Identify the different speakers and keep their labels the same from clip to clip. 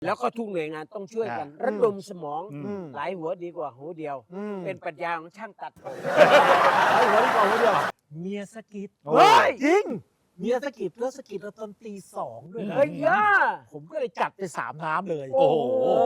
Speaker 1: แล้วก็ทุกหน่วยงานต้องช่วยกันระดมสมองหลายหัวดีกว่าหัวเดียวเป็นปรัชญาของช่างตัดผมหลายหัวดีกว่าหัวเดียว
Speaker 2: เมียสกิด
Speaker 1: เฮ้ย
Speaker 2: จริงเมียสกิดแล้วสกิดเราตอนตี 2ด้วยนะ
Speaker 1: เฮ้ยย่า
Speaker 2: ผมก็เลยจัดไป3 น้ำเลย
Speaker 3: โอ้โห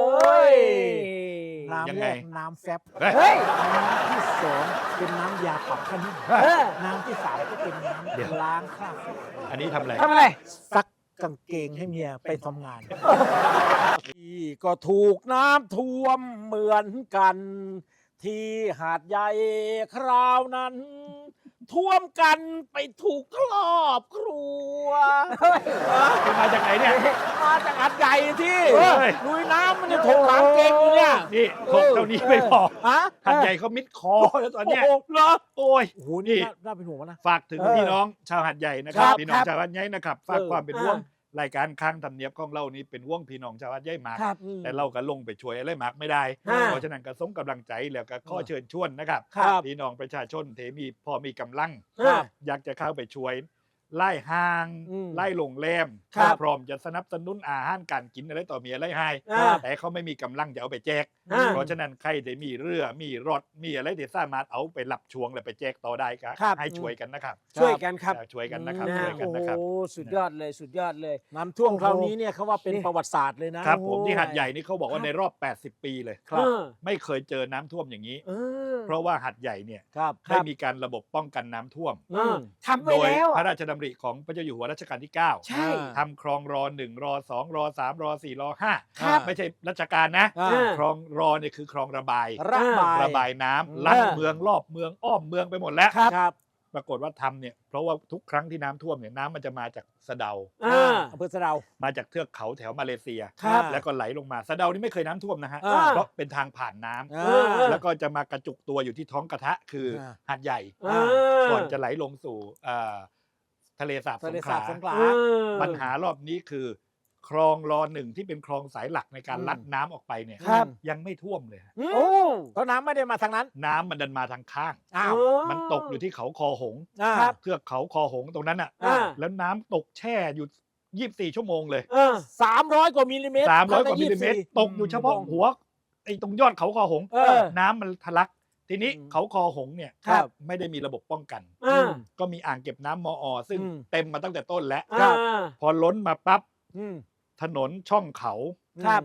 Speaker 2: น้ำ
Speaker 3: ยัง
Speaker 2: แร
Speaker 3: ไง
Speaker 2: กน้ำแฟบ
Speaker 1: เฮ้ย
Speaker 2: น้ำที่2เป็นน้ำยาปรับผ้านุ่ม
Speaker 1: เออ
Speaker 2: น้ำที่3ก็เป็นน้ำล้างคราบ
Speaker 3: อันนี้ทำอะไร
Speaker 1: ทำอะไร
Speaker 2: ซักกางเกงให้เมียไปทำงานที่ก็ถูกน้ำท่วมเหมือนกัน ที่หาดใหญ่คราวนั้น ท่วมกันไปถูกครอบครัว
Speaker 3: มาจากไหนเนี่ย
Speaker 2: มาจากหาดใหญ่ที่
Speaker 3: เฮ้ย
Speaker 2: ลุยน้ำมันจะถกหลังเกงอยู่เนี่ย
Speaker 3: นี่ถกเท่านี้ไม่พอ
Speaker 2: ฮะ
Speaker 3: หัดใหญ่เขามิดคอแล้วตอนเนี้ย
Speaker 2: โอ้โหเหรอ
Speaker 3: โอ้ย
Speaker 2: โอ้โหนี่น่าเป็นห่วงนะ
Speaker 3: ฝากถึง
Speaker 2: เออ
Speaker 3: พี่น้องชาวหัดใหญ่นะค
Speaker 2: ครั
Speaker 3: รับบ พี่น้อง
Speaker 2: ครับ
Speaker 3: ชาวหัดใหญ่นะครับฝากความเป็นห่วง
Speaker 1: อ่
Speaker 3: รายการข้างทำเนียบของเรานี้เป็นห่วงพี่น้องชาวหัดใหญ่มาก
Speaker 1: ครับ
Speaker 3: แต่เราก็ลงไปช่วยอะไรมากไม่ได้
Speaker 1: อ่า
Speaker 3: เพราะฉะนั้นก็ส่งกำลังใจแล้วก็ข้อเชิญชวนนะครับ
Speaker 2: ครับ
Speaker 3: พี่น้องประชาชนเทมีพอมีกำลัง
Speaker 1: ครับ
Speaker 3: อยากจะเข้าไปช่วยไล่ห้าง
Speaker 2: อืม
Speaker 3: ไล่โรงแรม
Speaker 1: ครับ
Speaker 3: พร้อมจะสนับสนุนอาหารการกินอะไรต่อมีอะไรให้
Speaker 1: อ่า
Speaker 3: แต่เขาไม่มีกำลังจะเอาไปแจก
Speaker 1: อ่า
Speaker 3: เพราะฉะนั้นใครที่มีเรือมีรถมีอะไรที่สามารถเอาไปรับช่วงแล้วไปแจกต่อได้ก็
Speaker 2: ครับ
Speaker 3: ให้ช่วยกันนะครับ
Speaker 1: ช่วยกันครับ
Speaker 3: ช่วยกันนะครับ
Speaker 1: นะ
Speaker 3: ช่วยกันนะครับ
Speaker 1: โอ้สุดยอดเลยสุดยอดเลย
Speaker 2: น้ำท่วม
Speaker 1: โอ้โห
Speaker 2: คราวนี้เนี่ยเขาว่าเป็น
Speaker 1: นี่
Speaker 2: ประวัติศาสตร์เลยนะครับ
Speaker 3: ผมที่
Speaker 2: โอ้โ
Speaker 3: หัดใหญ่นี่เขาบอกว่าในรอบ 80 ปีเลย
Speaker 2: ครับ
Speaker 3: ไม่เคยเจอน้ำท่วมอย่างนี้
Speaker 1: เออ
Speaker 3: เพราะว่าหัดใหญ่เนี่ย
Speaker 2: ครับ
Speaker 3: ได้มีการระบบป้องกันน้ำท่วม
Speaker 1: เออทำไป
Speaker 3: โดย
Speaker 1: แล้ว
Speaker 3: พระราชดำริของพระเจ้าอยู่หัวรัชกาลที่ 9
Speaker 1: ใช่
Speaker 3: ทำคลองร1ร2ร3ร4ร
Speaker 1: ครับ
Speaker 3: 5ไม่ใช่รัชกาลนะ
Speaker 2: อ่า
Speaker 3: คลองรเนี่ยคือคลองระบาย
Speaker 2: ระบาย
Speaker 3: น้ำลัดเมืองรอบเมืองอ้อมเมืองไปหมดแล้ว
Speaker 2: ครับ
Speaker 3: ปรากฏว่าทำเนี่ยเพราะว่าทุกครั้งที่น้ำท่วมเนี่ยน้ำมันจะมาจากสะเดา
Speaker 1: อ่า
Speaker 2: อำเภอสะเดา
Speaker 3: มาจากเทือกเขาแถวมาเลเซีย
Speaker 2: ครับ
Speaker 3: แล้วก็ไหลลงมาสะเดานี่ไม่เคยน้ำท่วมนะฮะ
Speaker 2: อ่า
Speaker 3: เพราะเป็นทางผ่านน้ำ
Speaker 2: อ่า
Speaker 3: แล้วก็จะมากระจุกตัวอยู่ที่ท้องกระทะคือหาดใหญ่
Speaker 1: เออ
Speaker 3: ก่อนจะไหลลงสู่ทะเลสาบส
Speaker 2: ทะ
Speaker 3: ง
Speaker 2: เล
Speaker 3: ข
Speaker 2: สา
Speaker 3: ลา
Speaker 2: บสงขลา
Speaker 1: เออ
Speaker 3: ปัญหารอบนี้คือ คลองร1ที่เป็นคลองสายหลักในการลัดน้ำออกไปเนี่ย
Speaker 1: ครับ
Speaker 3: ยังไม่ท่วมเลยฮะ
Speaker 1: โอ้
Speaker 2: เพราะน้ำไม่ได้มาทางนั้น
Speaker 3: น้ำมันดันมาทางข้าง
Speaker 2: อ้าว
Speaker 3: มันตกอยู่ที่เขาคอหงส์
Speaker 2: ครับ
Speaker 3: เทือกเขาคอหงส์ตรงนั้นอ่ะ
Speaker 1: อ่า
Speaker 3: แล้วน้ำตกแช่อยู่24 ชั่วโมงเลย
Speaker 1: เออ
Speaker 2: 300 กว่ามิลลิเมตร
Speaker 3: 300 กว่ามิลลิเมตร ตกอยู่เฉพาะหัวไอ้ตรงยอดเขาคอหงส์
Speaker 2: เออ
Speaker 3: น้ำมันทะลัก ทีนี้
Speaker 2: อืม
Speaker 3: เขาคอหงส์เนี่ย
Speaker 2: ครับ
Speaker 3: ไม่ได้มีระบบป้องกัน
Speaker 1: อ่า
Speaker 3: ก็มีอ่างเก็บน้ำมอ ซึ่ง
Speaker 2: อืม
Speaker 3: เต็มมาตั้งแต่ต้นแล้ว
Speaker 1: อ่า
Speaker 3: พอล้นมาปั๊บ
Speaker 2: อืม
Speaker 3: ถนนช่องเขา
Speaker 1: ครับ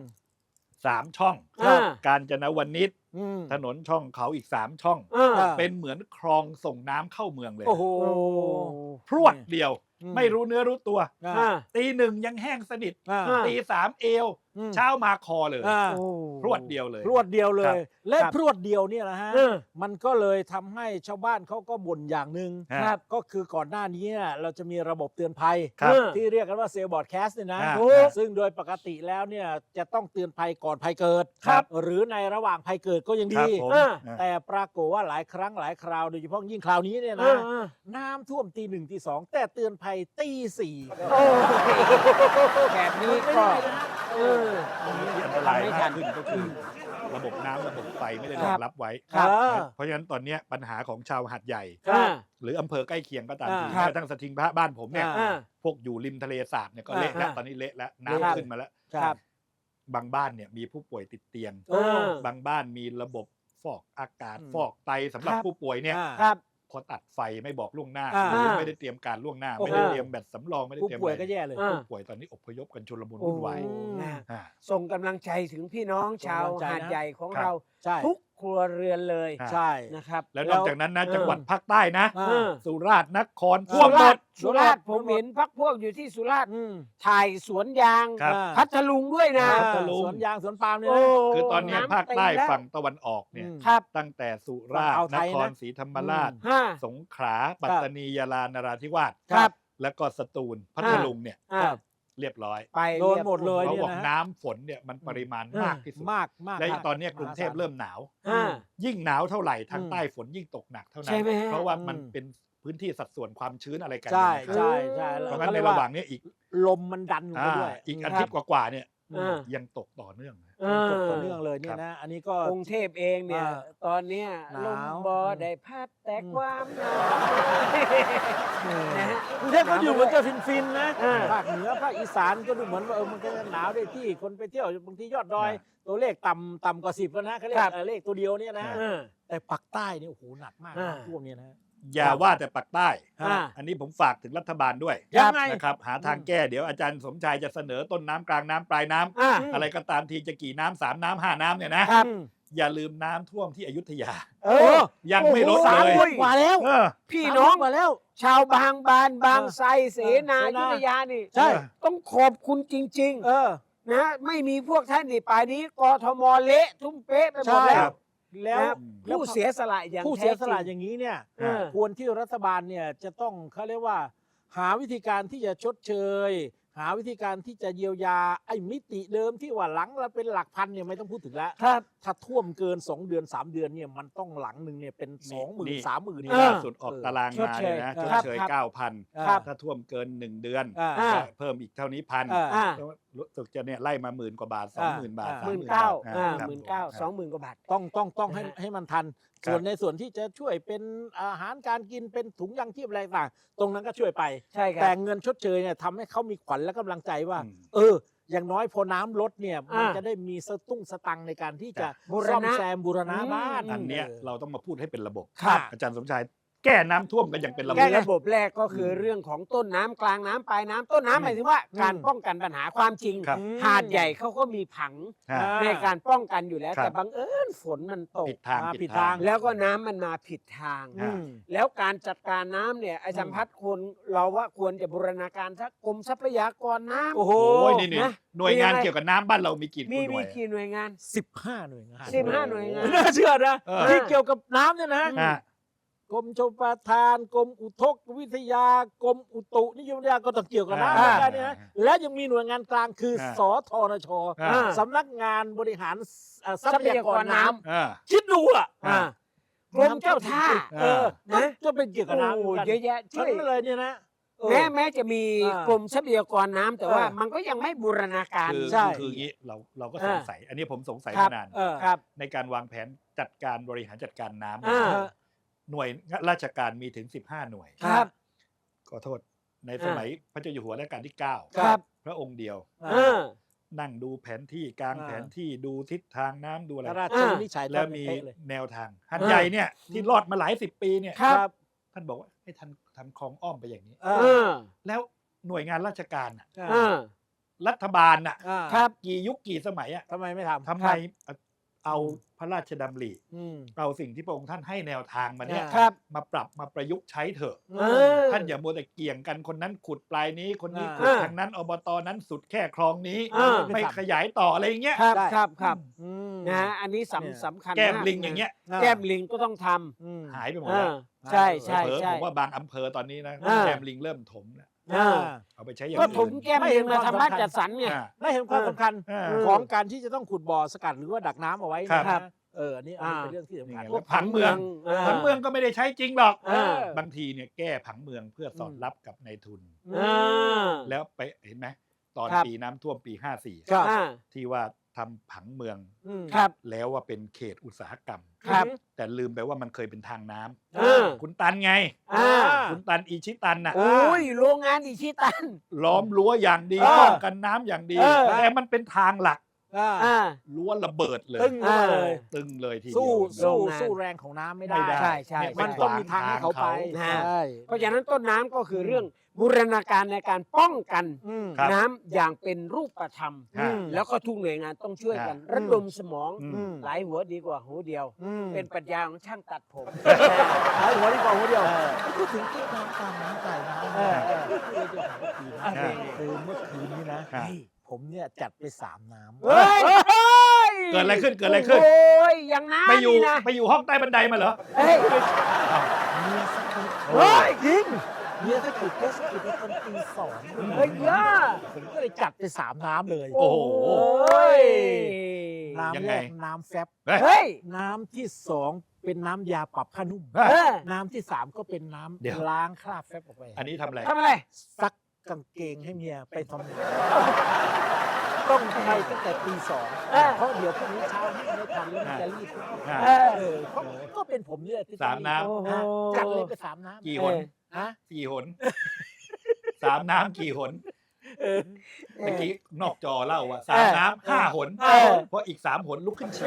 Speaker 3: 3 ช่อง
Speaker 1: อ่า
Speaker 3: กาญจนวนิช
Speaker 2: อืม
Speaker 3: ถนนช่องเขาอีก 3 ช่อง
Speaker 1: อ่า
Speaker 3: เป็นเหมือนคลองส่งน้ำเข้าเมืองเลย
Speaker 2: โอ้โห
Speaker 3: พรวดเดียว
Speaker 2: อืม
Speaker 3: ไม่รู้เนื้อรู้ตัว
Speaker 1: อ่า
Speaker 3: ตี 1ยังแห้งสนิท
Speaker 2: อ่า
Speaker 1: อ่า
Speaker 3: ตี 3เอว
Speaker 2: อืม
Speaker 3: เช้ามาคอเลย
Speaker 2: อ่า
Speaker 1: โอ้
Speaker 3: พรวดเดียวเลย
Speaker 2: พรวดเดียวเล
Speaker 3: ครั
Speaker 2: ย
Speaker 3: บ
Speaker 2: และ
Speaker 1: ครับ
Speaker 2: พรวดเดียวเนี่ยนะฮะ
Speaker 1: เออ
Speaker 2: มันก็เลยทำให้ชาวบ้านเขาก็บ่นอย่างหนึ่ง
Speaker 3: ครับ
Speaker 2: ก็คือก่อนหน้านี้เนี่ยเราจะมีระบบเตือนภัย
Speaker 3: ครับ
Speaker 2: ที่เรียกกันว่าเซลบอร์ดแคสเนี่ยนะ
Speaker 3: อ่า
Speaker 2: ถูกซึ่งโดยปกติแล้วเนี่ยจะต้องเตือนภัยก่อนภัยเกิด
Speaker 3: ครับ
Speaker 2: หรือในระหว่างภัยเกิดก็ยัง
Speaker 3: ครับ
Speaker 2: ดี
Speaker 3: ผม
Speaker 1: อ่า
Speaker 2: แต่ปรากฏว่าหลายครั้งหลายคราวโดยเฉพาะยิ่งคราวนี้เนี่ย
Speaker 1: อ่า
Speaker 2: นะ
Speaker 1: อ่า
Speaker 2: น้ำท่วมตี 1ตี 2แต่เตือนภัยตี 4
Speaker 1: โอ้แบบนี้
Speaker 2: ไม่
Speaker 1: ก็
Speaker 2: ได้นะฮะ
Speaker 1: เออ
Speaker 3: ที่อันตราย
Speaker 1: ทำให้ทั
Speaker 3: มาก
Speaker 1: น
Speaker 3: ขึ้นก็คือระบบน้ำระบบไฟไม่ได้ร
Speaker 1: ค
Speaker 3: อ
Speaker 1: รั
Speaker 3: ง
Speaker 1: บ
Speaker 3: รับไว้
Speaker 2: ครับ
Speaker 3: เพราะฉะนั้นตอนเนี้ยปัญหาของชาวหาดใหญ่
Speaker 1: อ่า
Speaker 3: หรืออำเภอใกล้เคียงก็ตามที
Speaker 2: ครับ
Speaker 3: แม้กระทั่งสถิงพระบ้านผมเนี่ย
Speaker 2: อ่า
Speaker 3: พวกอยู่ริมทะเลสาบเนี่ยก็เละแล้ว
Speaker 1: อ่า
Speaker 3: ตอนนี้เละแล้ว
Speaker 1: ครั
Speaker 3: น้ำ
Speaker 1: บ
Speaker 3: ขึ้นมาแล้ว
Speaker 2: ครับ
Speaker 3: บางบ้านเนี่ยมีผู้ป่วยติดเตียง
Speaker 1: เออ
Speaker 3: บางบ้านมีระบบฟอกอากาศ
Speaker 2: อืม
Speaker 3: ฟอกไตสำหรับ
Speaker 1: ครับ
Speaker 3: ผู้ป่วยเนี่ย
Speaker 2: อ่า
Speaker 1: ครับ
Speaker 3: พอตัดไฟไม่บอกล่วงหน้า
Speaker 2: อ่า
Speaker 3: หรือไม่ได้เตรียมการล่วงหน้า
Speaker 2: โอ้โห
Speaker 3: ไม่ได้เตรียมแบตสำรองไม่ได้
Speaker 2: ผู้
Speaker 3: เตรียม
Speaker 2: ป่วย
Speaker 3: อะไร
Speaker 2: ก็แย่เลย
Speaker 1: อ่า
Speaker 3: ผู้ป่วยตอนนี้อพยพกันชุลมุนวุ่นวาย
Speaker 1: โอ้นะ
Speaker 3: อ่า
Speaker 1: ส่งกำลังใจถึงพี่น้องชาว
Speaker 2: ส่งกำลังใจนะ
Speaker 1: หาดใหญ่ของ
Speaker 3: ครับ
Speaker 1: เรา
Speaker 2: ใช่
Speaker 1: ทุกครัวเรือนเลย
Speaker 3: อ่า
Speaker 2: ใช่
Speaker 1: นะครับ
Speaker 3: แล้วนอกจากนั้นนะ
Speaker 1: เออ
Speaker 3: จังหวัดภาคใต้นะ
Speaker 2: อ่า
Speaker 1: เออ
Speaker 3: สุราษฎร์นคร
Speaker 2: สุ
Speaker 3: ท่วมหมด
Speaker 1: สุราษฎร์ผมเห็นพักพวกอยู่ที่สุราษฎร์
Speaker 2: อืม
Speaker 1: ถ่ายสวนยาง
Speaker 3: ครับ
Speaker 1: พัทลุงด้วยนะ
Speaker 3: พัทลุง
Speaker 2: สวนยางสวนปาล์มเนี่ย
Speaker 1: โอ้
Speaker 2: นะ
Speaker 3: คือตอนเนี้ย
Speaker 1: น้ำ
Speaker 3: ภาคใต้
Speaker 1: เต็มแล้ว
Speaker 3: ฝั่งตะวันออกเนี่ย
Speaker 2: อืม
Speaker 1: ครับ
Speaker 3: ตั้งแต่สุราษฎ
Speaker 2: ฝั่งอ่าว
Speaker 3: ร์
Speaker 2: ไท
Speaker 3: น
Speaker 2: ย
Speaker 3: ค
Speaker 2: นะ
Speaker 3: รศรีธรรมราช
Speaker 1: ห้า
Speaker 3: สงขลาปัตตานียาลานราธิวาส
Speaker 1: ครับ
Speaker 3: แล้วก็สตูลพัทลุงเนี่ย
Speaker 1: อ่า
Speaker 3: เรียบร้อย
Speaker 1: ไป
Speaker 2: โดนหมดเลย
Speaker 3: เขา
Speaker 2: เนี่ย
Speaker 3: บอก
Speaker 2: นะ
Speaker 3: น้ำฝนเนี่ยมันปริมาณมากที่สุด
Speaker 2: มากมาก
Speaker 3: และ
Speaker 2: มาก
Speaker 3: ตอนเนี้ยกรุงเทพเริ่มหนาว
Speaker 1: อ่า
Speaker 3: ยิ่งหนาวเท่าไหร่ทาง
Speaker 2: อืม
Speaker 3: ใต้ฝนยิ่งตกหนักเท่านั้
Speaker 1: ใช่
Speaker 3: น
Speaker 1: ไหมฮะ
Speaker 3: เพราะว่ามัน
Speaker 2: อืม
Speaker 3: เป็นพื้นที่สัดส่วนความชื้นอะไรกัน
Speaker 2: ใช่
Speaker 3: นะครับ
Speaker 2: ใช่ใช่
Speaker 3: เพ
Speaker 2: แล้ว
Speaker 3: ราะงั้น
Speaker 2: ก็
Speaker 3: ใน
Speaker 2: เรียก
Speaker 3: ระ
Speaker 2: ว่า
Speaker 3: หว่างเนี้ยอีก
Speaker 2: ลมมันดันลงไปด้วย
Speaker 3: อีกอาทิตย์กว่าๆเนี่ยยังตกต่อเนื่องนะ
Speaker 2: ตกต่อเนื่องเลยเนี่ยนะ อันนี้ก็
Speaker 1: กรุงเทพเองเนี่ย ตอนเนี้ย
Speaker 2: ห
Speaker 1: ล
Speaker 2: นาม ว
Speaker 1: บอได้พัดแต่ความหนาวนะฮะ
Speaker 2: กรุงเทพก็อยู่เหมือนจะฟินๆนะ
Speaker 1: อ่า
Speaker 2: ภาคเหนือภาคอีสานก็ดูเหมือนว่ามันก็จะหนาวได้ที่คนไปเที่ยวบางทียอดดอย ตัวเลขต่ำกว่า10แล้วนะเขาเรียกเลขตัวเดียวเนี่ยนะ แต่ปักใต้เนี่ยโอ้โหหนักมากน้ำท่วมเนี่ยนะ
Speaker 3: อย่าว่าแต่ปักใต้
Speaker 1: อ่า
Speaker 3: อันนี้ผมฝากถึงรัฐบาลด้วย
Speaker 2: ยังไง
Speaker 3: นะครับหาทางแก้เดี๋ยวอาจารย์สมชายจะเสนอต้นน้ำกลางน้ำปลายน้ำ
Speaker 1: อ่า
Speaker 3: อะไรก็ตามทีจะกี่น้ำ3 น้ำ 5 น้ำเนี่ยนะ
Speaker 1: ครับ
Speaker 3: อย่าลืมน้ำท่วมที่อยุธยา
Speaker 2: เออ
Speaker 3: ยังไม่ลด
Speaker 1: โอ้โห
Speaker 3: เลย
Speaker 2: 3 เดือนกว่าแล้ว
Speaker 3: เออ
Speaker 1: พี่น้อง
Speaker 2: 3 เดืกว่าแล้ว
Speaker 1: ชาวบางบานบางไทรเสนา
Speaker 2: เสนา
Speaker 1: ยุธยานี่
Speaker 2: ใช่
Speaker 1: ต้องขอบคุณจริง
Speaker 2: เออ
Speaker 1: ๆ นะไม่มีพวกท่านนี่ป่านนี้กทมเละทุ่มเป๊ะไปหมด
Speaker 2: ใช่
Speaker 1: แล้
Speaker 3: ครั
Speaker 1: ว
Speaker 3: บ
Speaker 2: แล้ว
Speaker 1: นะครับ ผู้เสียสละอย่าง
Speaker 2: ผู้เสียสละ
Speaker 1: แท้จริง
Speaker 2: อย่างนี้เนี่ย
Speaker 1: เออ
Speaker 2: ควรที่รัฐบาลเนี่ยจะต้องเขาเรียกว่า หาวิธีการที่จะชดเชย หาวิธีการที่จะเยียวยาไอ้มิติเดิมที่ว่าหลังละเป็นหลักพันเนี่ยไม่ต้องพูดถึงแล้ว
Speaker 1: ครับ
Speaker 2: ถ้าท่วมเกิน 2 เดือน 3 เดือนเนี่ยมันต้องหลังหนึ่งเนี่ยเป็น
Speaker 3: นี่
Speaker 2: 20,000 30,000
Speaker 3: นี่
Speaker 2: เนี่ย
Speaker 3: ล่า
Speaker 2: นะ
Speaker 3: สุดออกตารางมาเลยนะ
Speaker 2: ช
Speaker 3: ช
Speaker 2: ด
Speaker 3: ด
Speaker 2: เชย
Speaker 3: เชย
Speaker 1: ครับ
Speaker 3: 9,000
Speaker 1: ครับ
Speaker 3: ถ้าท่วมเกิน 1 เดือน
Speaker 2: อ่า
Speaker 3: ก็เพิ่มอีกเท่านี้พัน
Speaker 2: อ่า
Speaker 3: รู้สึกจะเนี่ยไล่มา10,000 กว่าบาท 20,000 บาท
Speaker 2: อ่า
Speaker 1: 19,000
Speaker 3: ครับ
Speaker 1: 19,000 20,000 กว่าบาท
Speaker 2: ต้องให้มันทัน
Speaker 3: ครับ
Speaker 2: ส่วนในส่วนที่จะช่วยเป็นอาหารการกินเป็นถุงยางชีพอะไรต่างตรงนั้นก็ช่วยไป
Speaker 1: ใช่ครั
Speaker 2: แต่
Speaker 1: บ
Speaker 2: เงินชดเชยเนี่ยทำให้เขามีขวัญและกำลังใจว่า
Speaker 3: อืม
Speaker 2: อย่างน้อยพอน้ำลดเนี่ยมัน
Speaker 1: อ่า
Speaker 2: จะได้มีสตุ้งสตังค์ในการที่จะ
Speaker 1: บูรณะ
Speaker 2: ซ่อมแซมบูรณะบ้าน
Speaker 3: อันเนี้ยเราต้องมาพูดให้เป็นระบบ
Speaker 2: ครับ
Speaker 3: อาจารย์สมชายแก้น้ำท่วมกันอย่างเป็นระบบ
Speaker 1: แก้ระบบแรกก็คือเรื่องของต้นน้ำกลางน้ำปลายน้ำต้นน้ำหมายถึงว่าการป้องกันปัญหาความจริง
Speaker 3: ครับ
Speaker 1: หาดใหญ่เขาก็มีผัง
Speaker 3: ฮะ
Speaker 1: ในการป้องกันอยู่แล้ว
Speaker 3: ครับ
Speaker 1: แต่บังเอิญฝนมันตก
Speaker 3: ผิดทาง
Speaker 2: ผิ
Speaker 3: ผิ
Speaker 2: ด
Speaker 3: ด
Speaker 2: ทา
Speaker 3: ทาง ง
Speaker 1: แล้วก็น้ำมันมาผิดทาง
Speaker 3: อืม
Speaker 1: แล้วการจัดการน้ำเนี่ยอาจารย์พัฒน์ควรเราว่าควรจะบูรณาการทักกรมทรัพยากรน้ำ
Speaker 2: โอ้โห
Speaker 3: โอ้ยนี่
Speaker 1: นะ
Speaker 3: หน่วยงาน
Speaker 1: มีอะไร
Speaker 3: เกี่ยวกับน้ำบ้านเรามีกี่ห
Speaker 1: มี
Speaker 3: น่วย
Speaker 1: กี่หน่วยงาน
Speaker 2: 15 หน่วยงาน
Speaker 1: 15 หน่วยงาน
Speaker 2: ไม่น่าเชื่อนะ
Speaker 3: เออ
Speaker 2: ที่เกี่ยวกับน้ำเนี่ยนะ
Speaker 3: ฮะ
Speaker 2: กรมชลประทานกรมอุทกวิทยากรมอุตุนิยมวิทยาก็ต้องเกี่ยวกับน้ำเหมือนกันเนี่ยนะและยังมีหน่วยงานกลางคือสทนช
Speaker 3: อ่า
Speaker 2: สำนักงานบริหารทรัพยากรน้ำ
Speaker 3: อ่า
Speaker 2: คิดดูอ่ะ
Speaker 3: อ่า
Speaker 1: กรมเจ้าท่า
Speaker 2: เออ
Speaker 1: นะ
Speaker 2: ก็เป็นเกี่ยวกับน้ำ
Speaker 1: โอ้
Speaker 2: เหมือนกัน
Speaker 1: เยอะแยะช่
Speaker 2: ทั้
Speaker 1: วย
Speaker 2: งนั้นเลยเนี่ยนะเออ
Speaker 1: แม้จะมี
Speaker 2: อ่าก
Speaker 1: รมทรัพยากรน้ำแต่ว่า
Speaker 2: เออ
Speaker 1: มันก็ยังไม่บูรณาการ
Speaker 3: คือ
Speaker 2: ใช่
Speaker 3: คืออย่างนี้เราก็
Speaker 1: อ่า
Speaker 3: สงสัย อันนี้ผมสงสัย
Speaker 1: ครับ
Speaker 3: มานาน
Speaker 2: เออ
Speaker 1: ครับ
Speaker 3: ในการวางแผนจัดการบริหารจัดการน้ำ
Speaker 1: อ่า
Speaker 3: หน่วยราชการมีถึง 15 หน่วย
Speaker 1: ครับ
Speaker 3: ขอโทษในสมัยพระเจ้าอยู่หัวรัชกาลที่
Speaker 1: ครับ
Speaker 3: 9 พระองค์เดียว
Speaker 1: เออ
Speaker 3: นั่งดูแผนที่กลาง
Speaker 2: อ่า
Speaker 3: แผนที่ดูทิศทางน้ำดูอะไร
Speaker 2: พระราชวินิจฉัย
Speaker 3: แล้วมี
Speaker 2: เป๊ะเลย
Speaker 3: แนวทางหัดใหญ่เนี่ยที่รอดมาหลาย10 ปีเนี่ย
Speaker 1: ครับ
Speaker 3: ท่านบอกว่าให้ท่านทำคลองอ้อมไปอย่างนี้
Speaker 2: เอ
Speaker 1: เอ
Speaker 2: อ
Speaker 1: อ
Speaker 3: แล้วหน่วยงานราชการน่ะ
Speaker 1: เออ
Speaker 3: รัฐบาลน่ะ
Speaker 1: ครับ
Speaker 3: กี่ยุคกี่สมัยอ่ะ
Speaker 2: ทำไมไม่ทำ
Speaker 3: ทำไมเอาพระราชดำริ
Speaker 2: อืม
Speaker 3: เอาสิ่งที่พระองค์ท่านให้แนวทางมาเนี่ย
Speaker 2: อ่า
Speaker 1: ครับ
Speaker 3: มาปรับมาประยุกต์ใช้เถอะ
Speaker 1: เออ
Speaker 3: ท่านอย่ามัวแต่เกี่ยงกันคนนั้นขุดปลายนี้คนนี้
Speaker 2: อ่า
Speaker 3: ขุดทางนั้นอบตนั้นสุดแค่คลองนี้
Speaker 1: อ่า
Speaker 3: ไม่ขยายต่ออะไรอย่างเงี้ย
Speaker 1: ครับ
Speaker 2: ได้
Speaker 1: ครับครับ
Speaker 2: อืม
Speaker 1: นะฮะอันนี้
Speaker 2: เนี่ย
Speaker 1: สำคัญ
Speaker 3: แก้ม
Speaker 1: าก
Speaker 3: ลิงอย่างเงี้ย
Speaker 1: แก้มลิงก็ต้องท
Speaker 2: อืม
Speaker 3: หายไปหม
Speaker 1: ำ
Speaker 3: ดแล้ว
Speaker 1: ใช่ใช่
Speaker 3: เผลอๆ
Speaker 1: ใช่
Speaker 3: ผมว่าบางอำเภอตอนนี้นะ
Speaker 1: อ่า
Speaker 3: แก้มลิงเริ่มถมแล้ว
Speaker 1: อ่า
Speaker 3: เอาไปใช้อย่าง
Speaker 1: ก็
Speaker 3: อื่น
Speaker 1: ผมแก้มลิงมาทำบ้านจัดสรรไง
Speaker 3: อ่า
Speaker 2: ได้เห็นความสำคัญ
Speaker 3: อ่า
Speaker 2: ของการที่จะต้องขุดบ่อสกัดหรือว่าดักน้ำเอาไว้
Speaker 3: ครับ
Speaker 2: นะอันนี้เป็นเรื่องที่สำคัญ
Speaker 3: นี่ไง ผังเมือง ผังเมืองก็ไม่ได้ใช้จริงหรอก
Speaker 1: เออ
Speaker 3: บางทีเนี่ยแก้ผังเมืองเพื่อสอดรับกับในายทุน
Speaker 1: เออ
Speaker 3: แล้วไปเห็นไหมตอน
Speaker 1: ครับ
Speaker 3: ปีน้ำท่วมปี
Speaker 2: ครับ
Speaker 1: อ่า
Speaker 3: 54 ที่ว่าทำผังเมือง
Speaker 2: อืม
Speaker 1: ครับ
Speaker 3: แล้วว่าเป็นเขตอุตสาหกรรม
Speaker 1: ครับ
Speaker 3: แต่ลืมไปว่ามันเคยเป็นทางน้ำ
Speaker 1: เออ
Speaker 3: คุณตันไง
Speaker 1: อ่า
Speaker 3: คุณตันอิชิตันน่ะ
Speaker 1: โอ้ยโรงงานอิชิตัน
Speaker 3: ล้อมรั้วอย่างดี
Speaker 1: เออ
Speaker 3: ป้องกันน้ำอย่างดี
Speaker 1: เออ
Speaker 3: แต่มันเป็นทางหลัก
Speaker 1: อ่า
Speaker 3: รั้วระเบิดเลย
Speaker 2: ตึ้งมาเลย
Speaker 3: ตึงเลยทีเดี
Speaker 2: สู้
Speaker 3: ยว
Speaker 1: โรงงาน
Speaker 2: สู้แรงของน้ำไม่ได้
Speaker 3: ไม่ได้
Speaker 1: ใช่ใช่
Speaker 3: เนี่ย
Speaker 2: มันต้องมีทางให้เขาไป
Speaker 1: นะ
Speaker 2: ใช่
Speaker 1: เพราะฉะนั้นต้นน้ำก็คือเรื่องบูรณาการในการป้องกัน
Speaker 2: อืม
Speaker 3: ครับ
Speaker 1: น้ำอย่างเป็นรูปธรรม
Speaker 3: อืม
Speaker 1: แล้วก็ทุกหน่วยงานต้องช่วยกัน
Speaker 2: ครับ
Speaker 1: ระดมสมอง
Speaker 3: อืม
Speaker 1: หลายหัวดีกว่าหัวเดียว
Speaker 2: อืม
Speaker 1: เป็นปรัชญาของช่างตัดผม
Speaker 2: หายหัวดีกว่าหัวเดียว
Speaker 3: เออ
Speaker 2: พูดถึงต้นน้ำกลางน้ำใต้น้ำ
Speaker 1: เออ
Speaker 2: คือจะหาทีนะ
Speaker 3: เออ
Speaker 2: คือเมื่อคืนนี้นะ
Speaker 3: ครับ
Speaker 2: ผมเนี่ยจัดไป3 น้ำ
Speaker 1: เฮ้ย
Speaker 3: เกิดอะไรขึ้นเกิดอะไรขึ้น
Speaker 1: โอ้ยอย่างน้ำ
Speaker 3: ไปอยู่
Speaker 1: นี่นะ
Speaker 3: ไปอยู่ห้องใต้บันไดมาเหรอ
Speaker 1: เฮ้ย
Speaker 2: เมียสักคน
Speaker 1: เฮ้ย
Speaker 2: จริงเมียถ้าถูกเทสถูกไปตอนตี2
Speaker 1: เฮ้ยย่า
Speaker 2: ผมก็เลยจัดไป3 น้ำเลย
Speaker 3: โอ้โห
Speaker 1: โอ้ย
Speaker 2: น้ำ
Speaker 3: ยัง
Speaker 2: แร
Speaker 3: ไง
Speaker 2: กน้ำแฟบ
Speaker 1: เฮ้ย
Speaker 2: น้ำที่ 2 เป็นน้ำยาปรับผ้านุ่ม
Speaker 1: เออ
Speaker 2: น้ำที่ 3 ก็เป็นน้
Speaker 3: เดี๋ยว
Speaker 2: ำล้างคราบแฟบออกไป
Speaker 3: อันนี้ทำอะไร
Speaker 1: ทำอะไร
Speaker 2: ซักกางเกงให้เมียไปทำงานต้องไปตั้งแต่ตี
Speaker 1: เออ
Speaker 2: 2เพราะเดี๋ยวพรุ่งนี้เช้าไม่ทันแล้วมันจะรีบ
Speaker 3: อ่า
Speaker 2: เพราะก็เป็นผมเนี่ยที่
Speaker 3: สามน้ำ
Speaker 1: โอ้โห
Speaker 2: จัดเลยไป3 น้ำ
Speaker 3: กี่หน
Speaker 2: ฮะ
Speaker 3: กี่หน 3 น้ำกี่หนเมื่อกี้นอกจอเล่าว่า3 น้ำ5 หน เพราะอีก3 หนลุกขึ้นฉี่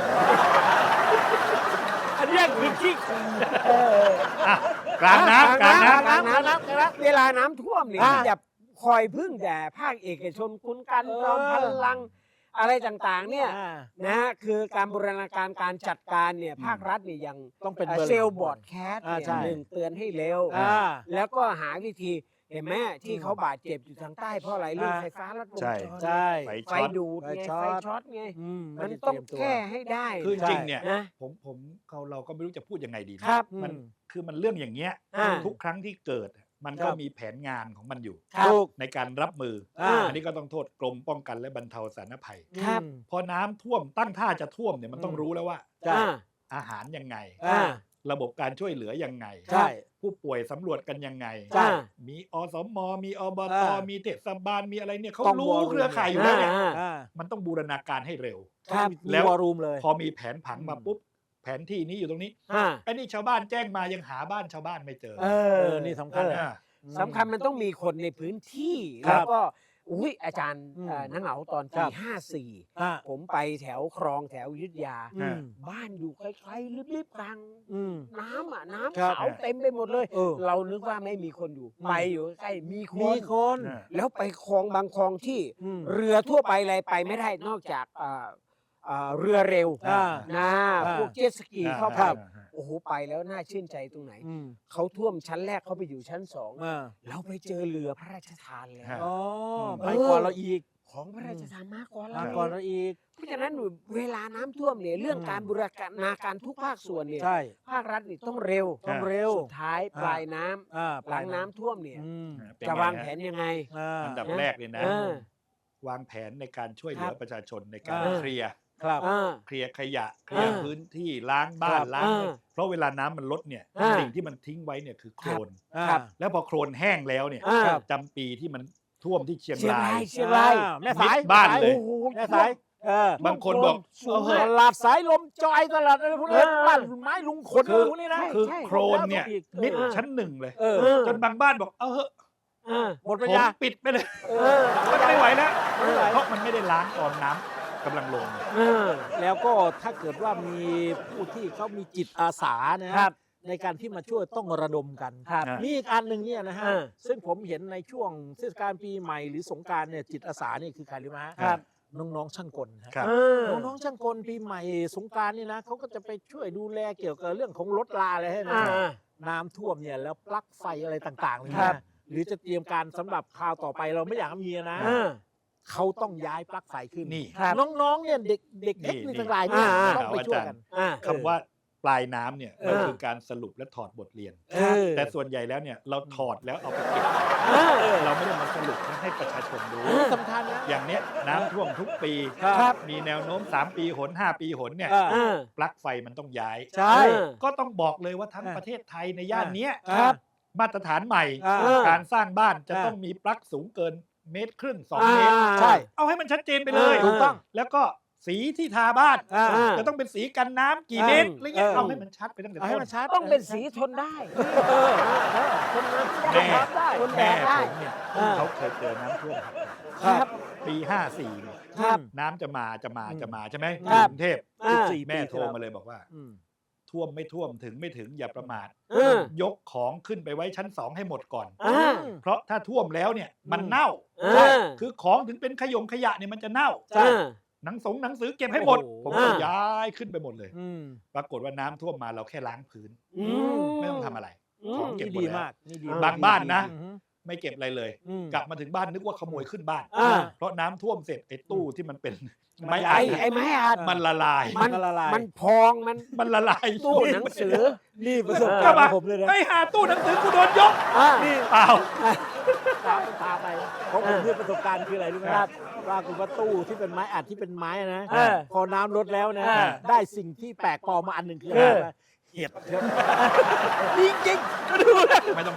Speaker 2: อันนี้คือขี้คุย
Speaker 3: อ่ะกลางน้ำกลางน้ำ
Speaker 2: กลางน้ำ
Speaker 1: เวลาน้ำท่วมเนี่ย
Speaker 2: อ่า
Speaker 1: อย่าคอยพึ่งแต่ภาคเอกชนคุณกันจอมพลังอะไรต่างๆเนี่ยนะฮะคือการบูรณาการการจัดการเนี่ยภาครัฐเนี่ยยัง
Speaker 2: ต้องเป็น
Speaker 1: เซลล์บอร์ดแคสต์
Speaker 2: ใช่
Speaker 1: เนี่ยหนึ่งเตือนให้เร็ว แล้วก็หาวิธีเห็นไหมที่เขาบาดเจ็บอยู่ทางใต้เพราะอะไรเรื่องไฟฟ้าลัดวงจร
Speaker 2: ใช่
Speaker 3: ไฟ
Speaker 1: ไฟ
Speaker 3: ช็อต
Speaker 1: ดูดไง
Speaker 2: ไฟช็อต
Speaker 1: ไฟช็อตไง
Speaker 2: ไ
Speaker 1: มัน
Speaker 2: ได้
Speaker 1: ต้อง
Speaker 2: เรียตัว
Speaker 1: แก้ให้ได้
Speaker 3: คือจริงๆเนี่ย
Speaker 1: นะ
Speaker 3: ผมเราก็ไม่รู้จะพูดยังไงดีนะครับ มันคือมันเรื่องอย่างเงี้ย
Speaker 1: อ่า
Speaker 3: ทุกครั้งที่เกิด มันก็
Speaker 2: ครับ
Speaker 3: มีแผนงานของมันอยู่
Speaker 1: ครับ
Speaker 3: ในการรับมือ
Speaker 2: อ่า
Speaker 3: อันนี้ก็ต้องโทษกรมป้องกันและบรรเทาสาธารณภัย
Speaker 1: ครับ
Speaker 3: พอน้ำท่วมตั้งท่าจะท่วมเนี่ยมันต้อง
Speaker 2: อืม
Speaker 3: รู้แล้วว่า
Speaker 2: ใช่
Speaker 3: อาหารยังไง
Speaker 2: อ่า
Speaker 3: ระบบการช่วยเหลือยังไง
Speaker 2: ใช่
Speaker 3: ผู้ป่วยสำรวจกันยังไง
Speaker 2: ใช่
Speaker 3: มีอสมมีอบต
Speaker 2: อ่า
Speaker 3: มีเทศบาลมีอะไรเนี่ยเขา
Speaker 2: ต้อง
Speaker 3: รู้
Speaker 2: วอลลุ่ม
Speaker 3: เครือข่ายอยู่แล้วเนี่ย
Speaker 2: อ่า
Speaker 3: มันต้องบูรณาการให้เร็ว
Speaker 1: ครับ
Speaker 2: มี
Speaker 3: แล้ว
Speaker 2: วอลลุ่มเลย
Speaker 3: พอมีแผนผังมาปุ๊บแผนที่นี้อยู่ตรงนี้
Speaker 1: อ่า
Speaker 3: ไอ้นี่ชาวบ้านแจ้งมายังหาบ้านชาวบ้านไม่เจอ
Speaker 2: นี่สำคัญ
Speaker 3: อ่า
Speaker 1: สำคัญมันต้องมีคนในพื้นที่
Speaker 2: ครั
Speaker 1: แล้
Speaker 2: บ
Speaker 1: วก็อุ้ยอาจารย์
Speaker 2: อืม
Speaker 1: นังเหงาตอน
Speaker 2: ครั
Speaker 1: ปี
Speaker 2: บ
Speaker 1: 54
Speaker 2: อ่า
Speaker 1: ผมไปแถวคลองแถวอยุทธยา
Speaker 2: อืม
Speaker 1: บ้านอยู่ใกล้ๆริบๆกลาง
Speaker 2: อืม
Speaker 1: น้ำอ่ะ น้ำ
Speaker 2: ครับ
Speaker 1: ขาวเต็มไปหมดเลย
Speaker 2: เออ
Speaker 1: เรานึกว่าไม่มีคนอยู่
Speaker 2: อืม
Speaker 1: ไปอยู่ใกล้ๆมีค
Speaker 2: มี
Speaker 1: น
Speaker 2: คน
Speaker 3: อ่า
Speaker 1: แล้วไปคลองบางคลองที่
Speaker 2: อืม
Speaker 1: เรือทั่วไปอะไรไปไม่ได้นอกจากเรือเร็ว
Speaker 2: อ่า
Speaker 1: นะ
Speaker 2: อ่า
Speaker 1: พวกเจ็ตสกีเข้าไป
Speaker 2: ครับ
Speaker 1: โอ้โหไปแล้วน่าชื่นใจตรงไหน
Speaker 2: อืม
Speaker 1: เขาท่วมชั้นแรกเขาไปอยู่ชั้นสอง
Speaker 2: อ่า
Speaker 1: เราไปเจอเรือพระราชทานแล้ว
Speaker 2: อ๋อ
Speaker 3: ม
Speaker 2: ไปก่อนเราอีก
Speaker 1: ของพระราชทานมากกว่า
Speaker 2: มา
Speaker 1: เรา
Speaker 2: ก่อนเราอีก
Speaker 1: เพราะฉะนั้นเวลาน้ำท่วมเนี่ยเรื่อง
Speaker 2: อืม
Speaker 1: การบูรณาการทุกภาคส่วนเนี่ย
Speaker 2: ใช่
Speaker 1: ภาครัฐนี่ต้องเร็ว
Speaker 2: ต้องเร็ว
Speaker 1: สุดท้ายปลายน้ำ หลังน้ำท่วมเนี่ย
Speaker 2: อืม
Speaker 3: เป็น
Speaker 1: จะ
Speaker 3: ไง
Speaker 1: วาง
Speaker 3: ฮะ
Speaker 1: แผนยังไง
Speaker 3: อันดับแรกเลยนะ
Speaker 1: เออ
Speaker 3: วางแผนในการช่วยเหลื
Speaker 1: ค
Speaker 3: อ
Speaker 1: รับ
Speaker 3: ประชาชนในการ
Speaker 2: อ่า
Speaker 3: เคลียร์
Speaker 2: ครับ
Speaker 3: เคลียร์ขยะเคลียร์
Speaker 1: อ่า
Speaker 3: พื้นที่ล้างบ้าน
Speaker 2: ครับ
Speaker 3: ล้าง
Speaker 1: อ่า
Speaker 3: เพราะเวลาน้ำมันลดเนี่ย
Speaker 1: อ่า
Speaker 3: สิ่งที่มันทิ้งไว้เนี่ยคือโคลน
Speaker 1: ครับ
Speaker 3: แล้วพอโคลนแห้งแล้วเนี่ย
Speaker 1: อ่า
Speaker 3: จำปีที่มันท่วมที่เชียง
Speaker 1: เชียง
Speaker 3: ราร
Speaker 1: าย ยเชียงราย
Speaker 2: แม่สาย
Speaker 3: มิดบ้านเลย
Speaker 1: โอ้โห
Speaker 2: แม่สาย
Speaker 3: บางคนบอก
Speaker 1: สูง
Speaker 3: เอาเห
Speaker 1: มา
Speaker 3: อะ
Speaker 1: ก
Speaker 2: ตลาดสายลมจอยตลาดอะไรพวกนี้
Speaker 1: เออ
Speaker 2: บ้านไม้ลุงขน
Speaker 3: คือ
Speaker 2: พวกนี้นะ
Speaker 3: คือ
Speaker 1: ใช่
Speaker 3: โคลนเนี่ย
Speaker 2: อีก
Speaker 3: มิด
Speaker 1: เออ
Speaker 3: ชั้นหนึ่งเลย
Speaker 2: เออ
Speaker 3: จนบางบ้านบอกเอาเหอะ
Speaker 1: อ่า
Speaker 2: หมด
Speaker 3: ผ
Speaker 2: ปัญ
Speaker 3: ม
Speaker 2: ญา
Speaker 3: ปิดไปเลย
Speaker 1: เออ
Speaker 3: มันไม่ไหวแล้ว
Speaker 2: ไม่ไหว
Speaker 3: เพราะมันไม่ได้ล้างตอนน้ำกำลังลง
Speaker 1: เออ
Speaker 2: แล้วก็ถ้าเกิดว่ามีผู้ที่เขามีจิตอาสานะครับ ในการที่มาช่วยต้องระดมกัน
Speaker 1: ครับ
Speaker 2: มีอีกอันหนึ่งเนี่ยนะฮะ
Speaker 1: อ่า
Speaker 2: ซึ่งผมเห็นในช่วงเทศกาลปีใหม่หรือสงกรารเนี่ยจิตอาสาเนี่ยคือใครรู้ไหมฮะ
Speaker 3: ครับ
Speaker 2: น้องๆช่างกลฮะ
Speaker 3: ครับ
Speaker 1: เออ
Speaker 2: น้องๆช่างกลปีใหม่สงกรารนี่นะเขาก็จะไปช่วยดูแลเกี่ยวกับเรื่องของรถลาอะไรให้นะ
Speaker 1: อ่า
Speaker 2: น้ำท่วมเนี่ยแล้วปลั๊กไฟอะไรต่างๆเลย
Speaker 1: ครั
Speaker 2: นะ
Speaker 1: บ
Speaker 2: หรือจะเตรียมการสำหรับคราวต่อไปเราไม่อยากให้มีนะ
Speaker 1: อ่า
Speaker 2: เขาต้องย้ายปลั๊กไฟขึ้น
Speaker 3: นี่
Speaker 1: ครับ
Speaker 2: น้องๆเนี่ยเด็กเด็กเทคนิคทั้งหลายเนี่ย
Speaker 1: อ่า
Speaker 2: ต้องไปช่วยกัน
Speaker 1: อ่า
Speaker 3: คำว่าปลายน้ำเนี่ย
Speaker 2: เออ
Speaker 3: มันคือการสรุปและถอดบทเรียน
Speaker 2: เออ
Speaker 3: แต่ส่วนใหญ่แล้วเนี่ยเราถอดแล้วเอาไปเก็บ
Speaker 1: เออ
Speaker 3: เราไม่ได้มาสรุปให้ประชาชนรู้
Speaker 2: สำคัญนะ
Speaker 3: อย่างเนี้ยน้ำท่วมทุกปี
Speaker 2: ครับ
Speaker 3: มีแนวโน้ม 3 ปีหน 5 ปีหนเนี่ย
Speaker 2: อ่า
Speaker 1: อ่า
Speaker 3: ปลั๊กไฟมันต้องย้าย
Speaker 2: ใช่
Speaker 3: ก็ต้องบอกเลยว่าทั้งประเทศไทยในย่านเนี้ย
Speaker 2: ครับ
Speaker 3: มาตรฐานใหม่
Speaker 2: อ่า
Speaker 3: การสร้างบ้านจะ
Speaker 2: อ่า
Speaker 3: ต้องมีปลั๊กสูงเกิน1.5 เมตร 2
Speaker 1: อ่า
Speaker 3: เมตร
Speaker 2: ใช่
Speaker 3: เอาให้มันชัดเจนไปเลย
Speaker 1: ถูกต้อง
Speaker 3: แล้วก็สีที่ทาบ้าน
Speaker 2: อ่า
Speaker 3: จะต้องเป็นสีกันน้ำกี่เมตรอะไรเงี้ยเอาให้มันชัดไปตั้งแต่
Speaker 2: เอาให้
Speaker 3: ต้น
Speaker 2: มันชัด
Speaker 1: ต้องเป็นสีทนได้ คนน้ำ
Speaker 3: แม่
Speaker 1: ได้คนแด
Speaker 3: แม่
Speaker 1: ดได้
Speaker 3: ผมเนี่ย
Speaker 1: อ่า
Speaker 3: เขาเคยเจอน้ำท่วม
Speaker 1: ครับ
Speaker 3: ปี 54เนี่ย
Speaker 1: ครับ
Speaker 3: น้ำจะมาใช่ไหม
Speaker 1: ครับ
Speaker 3: กรุงเทพ
Speaker 1: อ่า
Speaker 3: แม่โทรมาเลยบอกว่า
Speaker 2: อืม
Speaker 3: ท่วมไม่ท่วมถึงไม่ถึงอย่าประมาท
Speaker 1: เออ
Speaker 3: ยกของขึ้นไปไว้ชั้น 2 ให้หมดก่อน
Speaker 1: อ่า
Speaker 3: เพราะถ้าท่วมแล้วเนี่ยมันเน่า
Speaker 1: อ่า
Speaker 3: คือของถึงเป็นขยะเนี่ยมันจะเน่า
Speaker 2: ใช่
Speaker 3: หนังสือเก็บให้หมด
Speaker 2: โอ้โห
Speaker 3: ผมก็
Speaker 1: อ่า
Speaker 3: ย้ายขึ้นไปหมดเลย
Speaker 2: อืม
Speaker 3: ปรากฏว่าน้ำท่วมมาเราแค่ล้างพื้น
Speaker 1: อืม
Speaker 3: ไม่ต้องทำอะไร
Speaker 1: อืม
Speaker 3: ของเก็บ
Speaker 2: นี่
Speaker 3: หมด
Speaker 2: ดี
Speaker 3: แล้ว
Speaker 2: มากนี่ดี
Speaker 3: บางบ้านนะ
Speaker 2: อืม
Speaker 3: ไม่เก็บอะไรเลย
Speaker 2: อืม
Speaker 3: กลับมาถึงบ้านนึกว่าขโมยขึ้นบ้าน
Speaker 1: อ่า
Speaker 3: เพราะน้ำท่วมเสร็จไอ้ตู้ที่มันเป็นไม้
Speaker 2: ไอ้
Speaker 3: อัด
Speaker 1: ไอ้ไม้อัด
Speaker 3: มันละลาย
Speaker 1: มัน
Speaker 2: ละลาย
Speaker 1: มันพองมัน
Speaker 3: มันละลาย
Speaker 1: ตู้หนังสือ
Speaker 2: นี่ประสบการณ์ของผมเลยนะ
Speaker 3: ไอ้หาตู้หนังสือกูโดนยก
Speaker 1: อ่า
Speaker 2: นี่
Speaker 3: เปล่า
Speaker 2: พาไปของผมเนี่ยประสบการณ์คืออะไรรู้ไหมครับว่าคุณว่าตู้ที่เป็นไม้อัดที่เป็นไม้นะ
Speaker 1: เออ
Speaker 2: พอน้ำลดแล้วนะ
Speaker 1: เออ
Speaker 2: ได้สิ่งที่แปลกปลอมมาอันหนึ่งคือ
Speaker 1: เออ
Speaker 2: อะไรเห็ดครับจริงๆก็ดูนะ
Speaker 3: ไม่ต้อง
Speaker 2: เห็
Speaker 3: เห็
Speaker 2: ด
Speaker 3: ด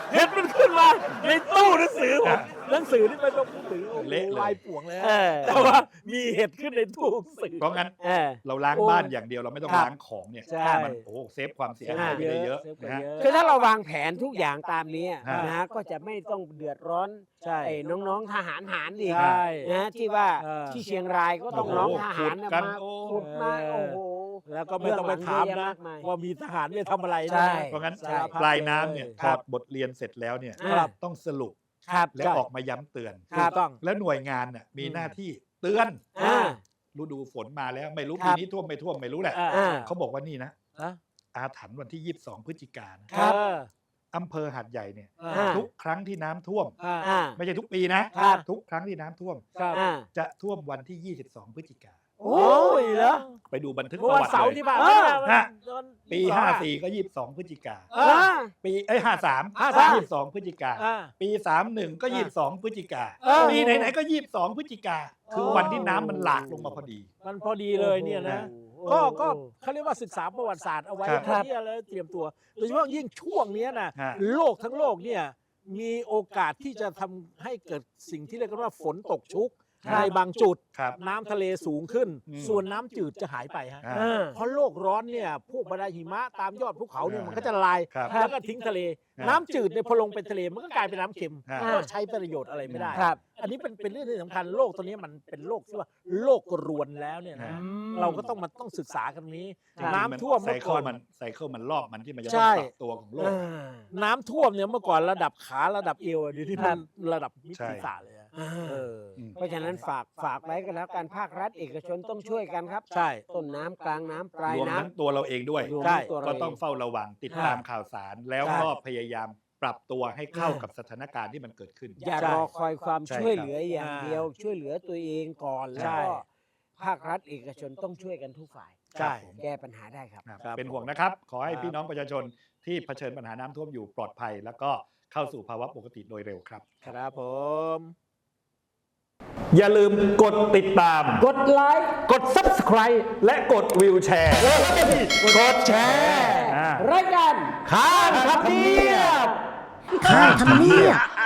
Speaker 2: เห็ดมันขึ้นมาในตู้หนังสือผมหนังสือที่เป็นหนังสือโอ้โห
Speaker 3: เละเลย
Speaker 2: ลายป่วงเลย
Speaker 1: เออ
Speaker 2: แต่ว่ามีเห็ดขึ้นในตู้หนังสือ
Speaker 3: เพราะงั้น
Speaker 1: เออ
Speaker 3: เราล้าง
Speaker 1: โอ้
Speaker 3: บ้านอย่างเดียวเราไม่ต้อง
Speaker 2: ครับ
Speaker 3: ล้างของเนี่ย
Speaker 2: ใช่
Speaker 3: มันโอ้โหเซฟความเสียหายไปได้เยอะ
Speaker 2: เซฟไป
Speaker 3: นะฮะ
Speaker 2: เยอะ
Speaker 1: คือถ้าเราวางแผนทุกอย่างตามนี้
Speaker 3: ฮะ
Speaker 1: นะฮะก็จะไม่ต้องเดือดร้อน
Speaker 2: ใช่
Speaker 1: ไอ้น้องๆทหารหารอีก
Speaker 2: ใช่
Speaker 1: นะที่ว่า
Speaker 2: เออ
Speaker 1: ที่เชียงรายก็ต้องน้องทหารน่ะ
Speaker 3: ขุดกัน
Speaker 1: มา
Speaker 3: โอ้
Speaker 1: ขุดมาโอ้โห
Speaker 2: แล้วก็ไม่ต้องไปถามนะ ว่ามีทหารไปทำอะไร
Speaker 1: ใช่
Speaker 2: นะ
Speaker 3: เพราะงั้น
Speaker 1: ใช่
Speaker 3: ปลายน้ำเนี่ยถ
Speaker 2: ครั
Speaker 3: อบ ดบทเรียนเสร็จแล้วเนี่ย
Speaker 1: ครับ
Speaker 3: ต้องสรุป
Speaker 1: ครับ
Speaker 3: และออกมาย้ำเตือน
Speaker 2: ถูกต้อง
Speaker 3: แล้วหน่วยงานน่ะมีหน้าที่เตือน
Speaker 1: อ่า
Speaker 3: ฤดูฝนมาแล้วไม่รู้
Speaker 1: ครั
Speaker 3: ปี
Speaker 1: บ
Speaker 3: นี้ท่วมไม่ท่วมไม่รู้แหละ
Speaker 1: อ่า
Speaker 3: เขาบอกว่านี่นะ
Speaker 2: ฮะ
Speaker 3: อาถรรพ์วันที่ 22 พฤศจิกายน
Speaker 1: ครับ
Speaker 3: อำเภอหาดใหญ่เนี่ย
Speaker 2: อ่า
Speaker 3: ทุกครั้งที่น้ำท่วม
Speaker 1: อ่า
Speaker 3: ไม่ใช่ทุกปีนะครับ ทุกครั้งที่น้ำท่วม
Speaker 2: ครับ
Speaker 1: อ่า
Speaker 3: จะท่วมวันที่ 22 พฤศจิกายน
Speaker 1: โอ้ยเหรอ
Speaker 3: ไปดูบันทึก
Speaker 2: เมื่อ
Speaker 3: ประ
Speaker 2: วัน
Speaker 3: วัติ
Speaker 2: เสาร์
Speaker 3: เลย
Speaker 2: ที่ผ่าน
Speaker 1: เอ
Speaker 2: มา
Speaker 1: อ
Speaker 2: เนี่ย
Speaker 3: ฮะ
Speaker 2: วัน
Speaker 3: ปี
Speaker 2: สอง
Speaker 3: 54 ก็ 22 พฤศจิกา
Speaker 2: เออ
Speaker 3: ปี53 22 พฤศจิกา
Speaker 2: อ่า
Speaker 3: ปี 31 ก็ 22 พฤศจิกา
Speaker 2: เออ
Speaker 3: ปีไหนๆก็ 22 พฤศจิกา คือวันที่น้ำมันหลากลงมาพอดี
Speaker 2: มันพอดีเลยเนี่ยนะ
Speaker 1: โอ้โห
Speaker 2: ก็เขาเรียกว่าศึกษาประวัติศาสตร์เอาไว้
Speaker 3: ครับ
Speaker 2: เพื่อที่จะเตรียมตัว โดยเฉพาะยิ่งช่วงเนี้ยนะ
Speaker 3: ฮะ
Speaker 2: โลกทั้งโลกเนี่ยมีโอกาสที่จะทำให้เกิดสิ่งที่เรียกกันว่าฝนตกชุก
Speaker 3: ครับ
Speaker 2: ในบางจุด
Speaker 3: ครับ
Speaker 2: น้ำทะเลสูงขึ้น
Speaker 3: อืม
Speaker 2: ส่วนน้ำจืดจะหายไปฮะ
Speaker 3: อ่า
Speaker 2: เพราะโลกร้อนเนี่ยพวกบรรดาหิมะตามยอดภูเขาเนี่ย
Speaker 3: อ่ามั
Speaker 2: มันก็จะละลาย
Speaker 3: ครับ
Speaker 2: แล้วก็ทิ้งทะเล
Speaker 3: ครับ
Speaker 2: น้ำจืดเนี่ยพอลงเป็นทะเลมันก็กลายเป็นน้ำเค็ม
Speaker 3: ครับ
Speaker 2: ก็ใช้ประโยชน์อะไรไม่ได้
Speaker 1: ครับ
Speaker 2: อันนี้เป็นเรื่องที่สำคัญโลกตัวนี้มันเป็นโลกที่ว่าโลกรวนแล้วเนี่ยนะ เราก็ต้องศึกษากันนี้
Speaker 1: ครับ
Speaker 2: น้ำท่วม
Speaker 3: ไซ
Speaker 2: เมื่อ
Speaker 3: เคิ
Speaker 2: ก่
Speaker 3: ล
Speaker 2: อน
Speaker 3: มันไซเคิลมันรอบมันที่มันจะ
Speaker 2: ใช่
Speaker 3: ต้องปรับตัวของโลก
Speaker 2: น้ำท่วมเนี่ยเมื่อก่อนระดับขาระดับเอวอะเดี๋ยวนี้มันระดับมิด
Speaker 3: ใช่
Speaker 2: ศีรษะเลยอะ
Speaker 1: อ่า
Speaker 2: เออ
Speaker 1: เพราะฉะนั้นฝากไว้กันแล้วการภาครัฐเอกชนต้องช่วยกันครับ
Speaker 2: ใช่
Speaker 1: ต้นน้ำกลางน้ำปลาย
Speaker 3: รวม
Speaker 1: น้ำ
Speaker 3: ทั้งตัวเราเองด้วย
Speaker 1: รวม
Speaker 2: ใช่
Speaker 1: ทั้งตัว
Speaker 3: ก็
Speaker 1: เรา
Speaker 3: ต้อง
Speaker 1: เอง
Speaker 3: เฝ้าระวังติดตามข่าวสาร แล้ว
Speaker 2: ใช่
Speaker 3: ก็พยายามปรับตัวให้เข้ากับสถานการณ์ที่มันเกิดขึ้น
Speaker 1: อย่ารอคอยความ
Speaker 3: ใช่
Speaker 1: ช่วยเหลือ
Speaker 3: ครับ
Speaker 1: อย่างเดียว ช่วยเหลือตัวเองก่อนแล้ว
Speaker 2: ใช่
Speaker 1: ก็ภาครัฐเอกชนต้องช่วยกันทุกฝ่าย
Speaker 2: ใช่
Speaker 1: แก้ปัญหาได้ครับ
Speaker 3: ครับเป็นห่วงนะครับ ขอให้
Speaker 2: ครับ
Speaker 3: พี่น้องประชาชนที่เผชิญปัญหาน้ำท่วมอยู่ปลอดภัย แล้วก็เข้าสู่ภาวะปกติโดยเร็วครับ
Speaker 2: ครับผม
Speaker 3: อย่าลืมกดติดตาม
Speaker 1: กดไลค์
Speaker 3: กด subscribe และกดวิวแชร์
Speaker 1: กดแชร์
Speaker 3: อ่า
Speaker 1: รายการ
Speaker 3: ข้ามทำเนียบ
Speaker 1: ข้างทำเนียบ